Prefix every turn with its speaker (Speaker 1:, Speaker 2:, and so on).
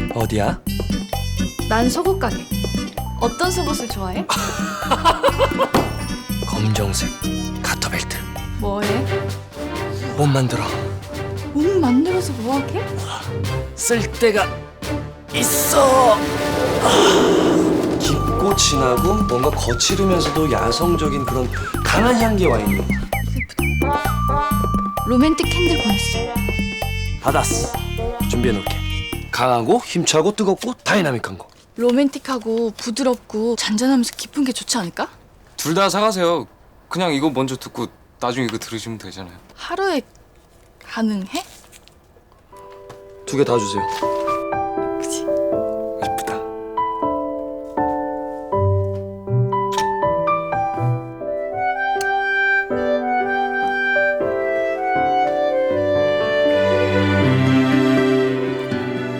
Speaker 1: 어디야?
Speaker 2: 난 속옷 가게. 어떤 속옷을 좋아해?
Speaker 1: 검정색 가터벨트.
Speaker 2: 뭐해?
Speaker 1: 못 만들어.
Speaker 2: 몸 만들어서 뭐하게?
Speaker 1: 쓸 데가 있어. 깊고 진하고 뭔가 거칠으면서도 야성적인 그런 강한 향기 와인이요.
Speaker 2: 로맨틱 캔들 보냈어.
Speaker 1: 받았어. 준비해놓을게. 강하고 힘차고 뜨겁고 다이나믹한 거.
Speaker 2: 로맨틱하고 부드럽고 잔잔하면서 깊은 게 좋지 않을까?
Speaker 3: 둘 다 사가세요. 그냥 이거 먼저 듣고 나중에 이거 들으시면 되잖아요.
Speaker 2: 하루에 가능해?
Speaker 1: 2개 다 주세요.